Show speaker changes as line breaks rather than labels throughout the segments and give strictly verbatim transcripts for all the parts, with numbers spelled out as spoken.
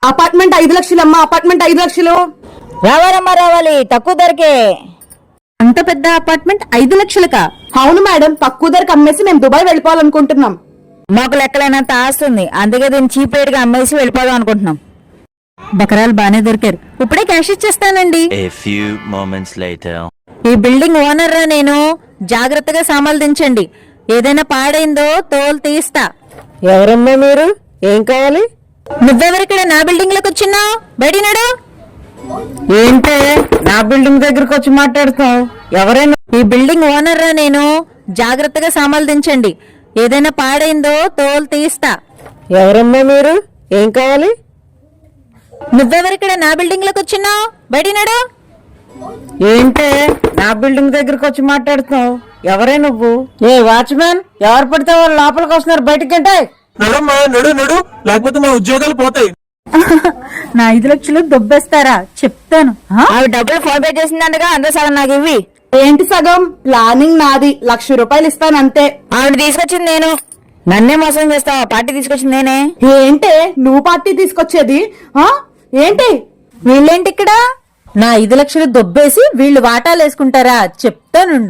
Apartment ఐదు లక్షలు అమ్మా, అపార్ట్మెంట్ ఐదు లక్షలు.
రావాలమ్మా రావాలి, తక్కువ ధరకే.
అంత పెద్ద అపార్ట్మెంట్ ఐదు లక్షలకా? అవును మేడం, తక్కువ ధరకు అమ్మేసి మేము దుబాయ్ వెళ్ళిపోవాలనుకుంటున్నాం.
మాకు లెక్కలైనంత ఆస్తుంది, అందుకే దీన్ని చీప్ రేట్ గా అమ్మేసి వెళ్ళిపోదాం అనుకుంటున్నాం.
బకరాలు బానే దొరికారు. ఇప్పుడే క్యాష్ ఇచ్చేస్తానండి.
A few moments later.
ఈ బిల్డింగ్ ఓనర్ రా నేను, జాగ్రత్తగా సామాన్లు దించండి. ఏదైనా పాడైందో తోలు తీస్తా.
ఎవరమ్మా మీరు? ఏం కావాలి?
నువ్వెవరిక్కడ నా బిల్డింగ్ లోకి వచ్చినావు? బయటినాడు.
ఏంటే నా బిల్డింగ్ దగ్గరకు వచ్చి మాట్లాడుతావు? ఎవరైనా?
ఈ బిల్డింగ్ ఓనర్ రా నేను, జాగ్రత్తగా సామాన్లు దించండి. ఏదైనా పాడైందో తోలు తీస్తా.
ఎవరమ్మా మీరు? ఏం కావాలి?
నువ్వెవరిక్కడ నా బిల్డింగ్ లోకి వచ్చినావు? బయటినాడు.
ఏంటే నా బిల్డింగ్ దగ్గరకు వచ్చి మాట్లాడుతావు? ఎవరే నువ్వు? ఏ వాచ్మెన్, ఎవరు పడితే వాళ్ళు లోపలికి వస్తున్నారు, బయటికి అంటే.
నడమ్మా, నడు నడు, లేకపోతే మా ఉద్యోగాలు పోతాయి.
నా ఐదు లక్షలు దొబ్బేస్తారా? చెప్తాను.
ఆవిడ డబ్బులు ఫోన్ పే చేసిందండగా, అందరూ సగం నాకు ఇవ్వి.
ఏంటి సగం? ప్లానింగ్ నాది, లక్ష రూపాయలు ఇస్తాను అంతే.
ఆవిడ తీసుకొచ్చింది నేను. నన్నే మోసం చేస్తావా? పార్టీ తీసుకొచ్చింది నేనే.
ఏంటే నువ్వు పార్టీ తీసుకొచ్చేది? ఆ ఏంటి?
వీళ్ళేంటి ఇక్కడ?
నా ఐదు లక్షలు దొబ్బేసి వీళ్ళు వాటాలు వేసుకుంటారా? చెప్తానుండు.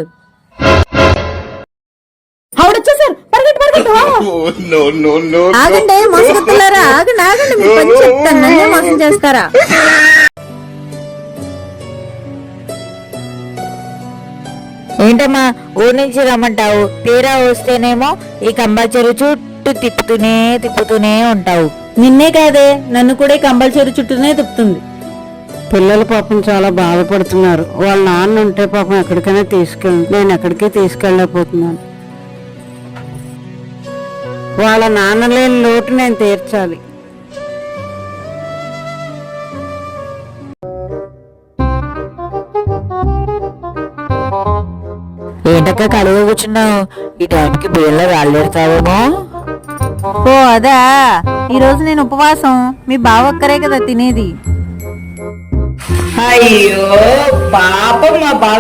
ఆవిడొచ్చేసారు, పరిగెట్టు పరిగెట్టు.
ఆగండి మోసగుతున్నారా, ఆగండి ఆగండి, మీ పని చెప్తాను. నన్నే మోసం చేస్తారా? ఏంటమ్మా ఊరి నుంచి రమ్మంటావు, తీరా వస్తేనేమో ఈ కంపల్సరీ చుట్టూ తిప్పుతూనే తిప్పుతూనే ఉంటావు.
నిన్నే కాదే, నన్ను కూడా కంపల్సరీ చుట్టూనే తిప్పుతుంది.
పిల్లలు పాపం చాలా బాధపడుతున్నారు. వాళ్ళ నాన్న ఉంటే పాపం ఎక్కడికైనా తీసుకెళ్ళి, నేను ఎక్కడికి తీసుకెళ్ళలేకపోతున్నాను. వాళ్ళ నాన్న లేని లోటు నేను తీర్చాలి.
ఏంటక్క కడుగు కూర్చున్నావు? ఈ టైంకి బియ్యంలో రాళ్ళెడతావేమో.
ఓ అదా, ఈ రోజు నేను ఉపవాసం. మీ బావ ఒక్కరే కదా తినేది.
అయ్యో పాపం మా బావ.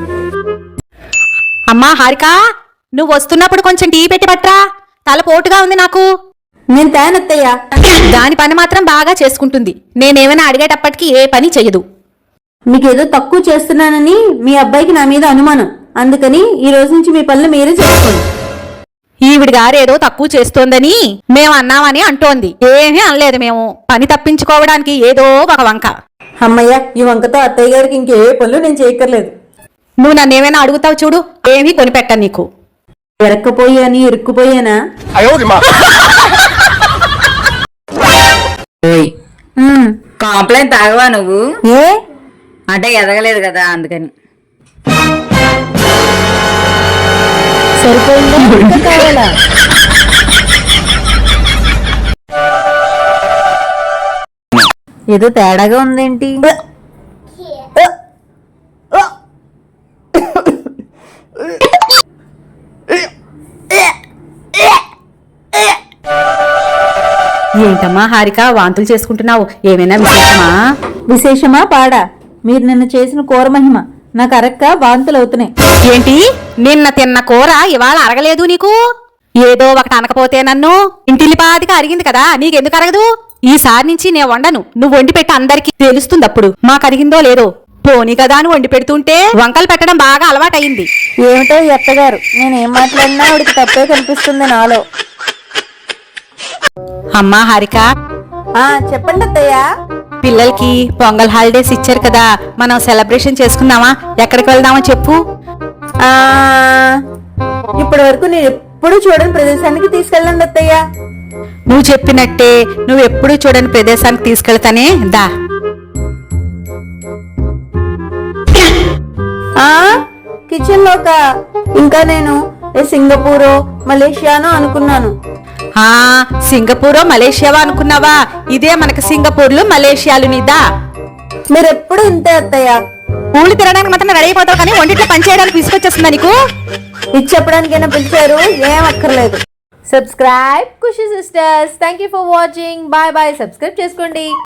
అమ్మా హారిక, నువ్వు వస్తున్నప్పుడు కొంచెం టీ పెట్టి పట్రా, తల పోటుగా ఉంది నాకు.
నేను తేనత్తయ్యా.
దాని పని మాత్రం బాగా చేసుకుంటుంది, నేనేమైనా అడిగేటప్పటికి ఏ పని చెయ్యదు.
మీకేదో తక్కువ చేస్తున్నానని మీ అబ్బాయికి నా మీద అనుమానం, అందుకని ఈ రోజు నుంచి మీ పనులు మీరే చేసుకోండి.
ఈవిడి గారేదో తక్కువ చేస్తోందని మేము అన్నామని అంటోంది. ఏమీ అనలేదు మేము. పని తప్పించుకోవడానికి ఏదో ఒక వంక.
అమ్మయ్య, ఈ వంకతో అత్తయ్య గారికి ఇంకే పనులు నేను చేయక్కర్లేదు.
నువ్వు నన్నేమైనా అడుగుతావు చూడు, ఏమీ కొనిపెట్టను నీకు.
ఎరక్కపోయాని ఇరుక్కుపోయానా?
కాంప్లైంట్ తాగవా నువ్వు?
ఏ
అంటే ఎదగలేదు కదా అందుకని.
సరిపోయిందా? ఇంకా కావాలా? ఏదో తేడాగా ఉందేంటి?
ఏంటమ్మా హారిక, వాంతులు చేసుకుంటున్నావు? ఏమైనా విశేషమా?
విశేషమా పాడా? మీరు నిన్న చేసిన కూర మహిమ నాకు అరక్క వాంతులు అవుతున్నాయి.
ఏంటి, నిన్న తిన్న కూర ఇవాళ అరగలేదు నీకు? ఏదో ఒకటి అనకపోతే నన్ను. ఇంటిలిపాదిగా అరిగింది కదా, నీకెందుకు అరగదు? ఈసారి నుంచి నేను వండను, నువ్వు వండి పెట్టి అందరికి తెలుస్తుంది. అప్పుడు మాకు అరిగిందో లేదో. పోనీ కదా నువ్వు వండి పెడుతుంటే వంకలు పెట్టడం బాగా అలవాటయింది.
ఏమిటో ఎత్తగారు, నేనేం మాట్లాడినా ఆవిడికి తప్పే కనిపిస్తుంది నాలో.
అమ్మా హారిక,
ఆ చెప్పండి అత్తయ్య.
పిల్లలకి పొంగల్ హాలిడేస్ ఇచ్చారు కదా, మనం సెలబ్రేషన్ చేసుకుందామా? ఎక్కడికి వెళ్దామో చెప్పు.
ఆ ఇప్పటి వరకు నేను ఎప్పుడు చూడని ప్రదేశానికి తీసుకెళ్ళండి అత్తయ్య.
నువ్వు చెప్పినట్టే, నువ్వు ఎప్పుడు చూడని ప్రదేశానికి తీసుకెళ్తానే దా.
ఆ కిచెన్ లోక ఇంకా నేను సింగపూరో మలేషియానో అనుకున్నాను.
ఆ సింగపూరో మలేషియావా అనుకున్నావా? ఇదే మనకి సింగపూర్లు మలేషియాలు. నీదా
మీరెప్పుడు ఇంతే అత్తయ్య.
ఊళ్ళు తిరగడానికి మాత్రం రెడీ అయిపోతావు, కానీ వంటిట్లో పని చేయడానికి తీసుకొచ్చేస్తుందా నీకు?
ఇది చెప్పడానికైనా పిలిచారు, ఏం అక్కర్లేదు. Subscribe Khushi sisters. Thank you for watching. Bye bye. Subscribe చేసుకోండి.